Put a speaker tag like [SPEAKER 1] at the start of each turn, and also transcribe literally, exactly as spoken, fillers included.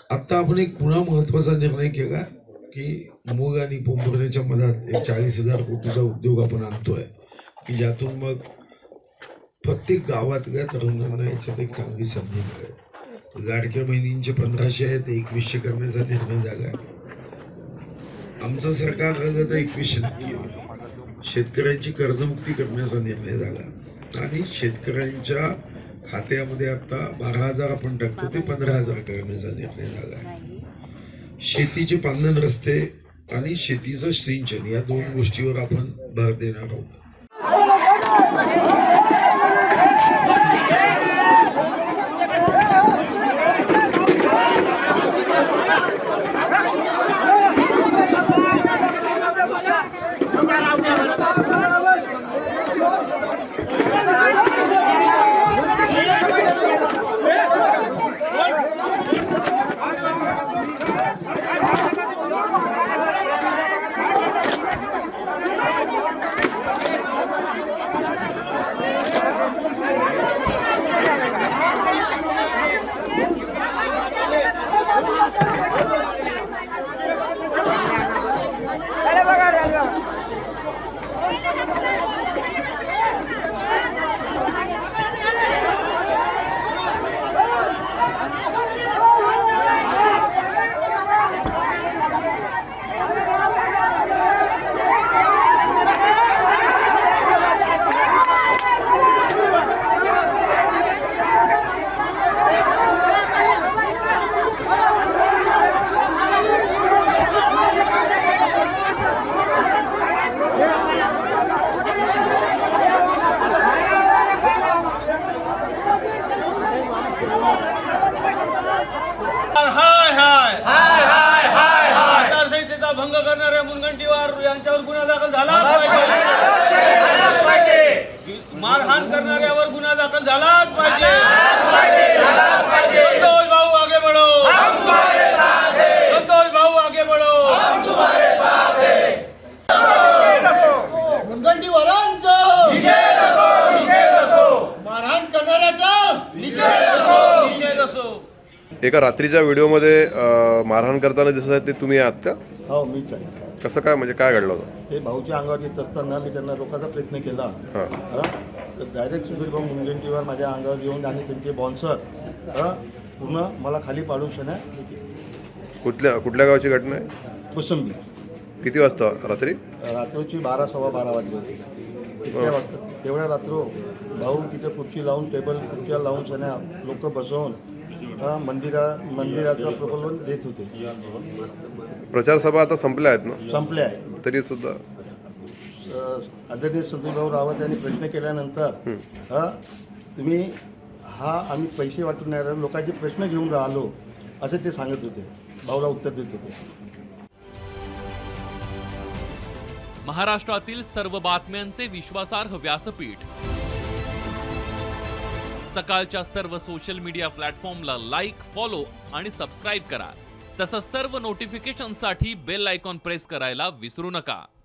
[SPEAKER 1] आता आपण एक पुन्हा महत्वाचा निर्णय केला की मूग आणि पोंभुर्ण्याच्या मधात एक चाळीस हजार कोटीचा उद्योग आपण आणतोय की ज्यातून मग प्रत्येक गावातल्या तरुणांना याच्यात एक चांगली संधी मिळेल. लाडक्या बहिणींचे पंधराशे आहेत एकवीसशे करण्याचा निर्णय झाला. आमचं सरकार आलं तर एकवीसशे नक्की होईल. शेतकऱ्यांची कर्जमुक्ती करण्याचा निर्णय झाला आणि शेतकऱ्यांच्या खात्यामध्ये आता बारा हजार आपण टाकतो ते पंधरा हजार करण्याचा निर्णय झाला. शेतीचे पांधन रस्ते आणि शेतीचं सिंचन या दोन गोष्टीवर आपण भर देणार आहोत.
[SPEAKER 2] भंग करणाऱ्या मुनगंटीवार यांच्यावर गुन्हा दाखल झालाच पाहिजे. मारहाण करणाऱ्यावर गुन्हा दाखल झालाच पाहिजे. संतोष भाऊ आगे बढ़ो, संतोष भाऊ आगे बढ़ो.
[SPEAKER 3] मुनगंटीवारांचा मारहाण करणाऱ्याचा
[SPEAKER 2] निषेध असो.
[SPEAKER 4] एका रात्रीच्या व्हिडिओमध्ये मारहाण करताना दिसत आहे ते तुम्ही आहात का?
[SPEAKER 3] हो मीच आहे.
[SPEAKER 4] कसं काय, म्हणजे काय घडलं होतं?
[SPEAKER 3] ते भाऊच्या अंगावर येत असताना मी त्यांना रोखायचा प्रयत्न केला.
[SPEAKER 4] हां
[SPEAKER 3] हा? तर डायरेक्ट सुधीर भाऊ मुनगंटीवार माझ्या अंगावर येऊन आणि त्यांचे बॉन्सर हा पूर्ण मला खाली पाडून शना.
[SPEAKER 4] कुठल्या कुठल्या गावची घटना आहे?
[SPEAKER 3] कोसंबी.
[SPEAKER 4] किती वाजता रात्री?
[SPEAKER 3] रात्रीची बारा सव्वा बारा वाजली होती. इतक्या वाजता तेवढ्या रात्र भाऊ तिथे खुर्ची लावून टेबल खुर्च्या लावून शना लोक बसवून हा मंदिरा मंदिराचं प्रबोधन देत होते.
[SPEAKER 4] प्रचार सभा आता संपल्या आहेत ना?
[SPEAKER 3] संपले आहे
[SPEAKER 4] तरी सुद्धा
[SPEAKER 3] आदरणीय संतोषभाऊ रावत यांनी प्रश्न केल्यानंतर हा तुम्ही हा आम्ही पैसे वाटून नाही लोकांचे प्रश्न घेऊन राहिलो असे ते सांगत होते. भाऊला उत्तर देत होते.
[SPEAKER 5] महाराष्ट्रातील सर्व बातम्यांचे विश्वासार्ह व्यासपीठ सकाळच्या सर्व सोशल मीडिया प्लॅटफॉर्मला लाईक, फॉलो आणि सबस्क्राईब करा. तसंच सर्व नोटिफिकेशनसाठी बेल आयकॉन प्रेस करायला विसरू नका.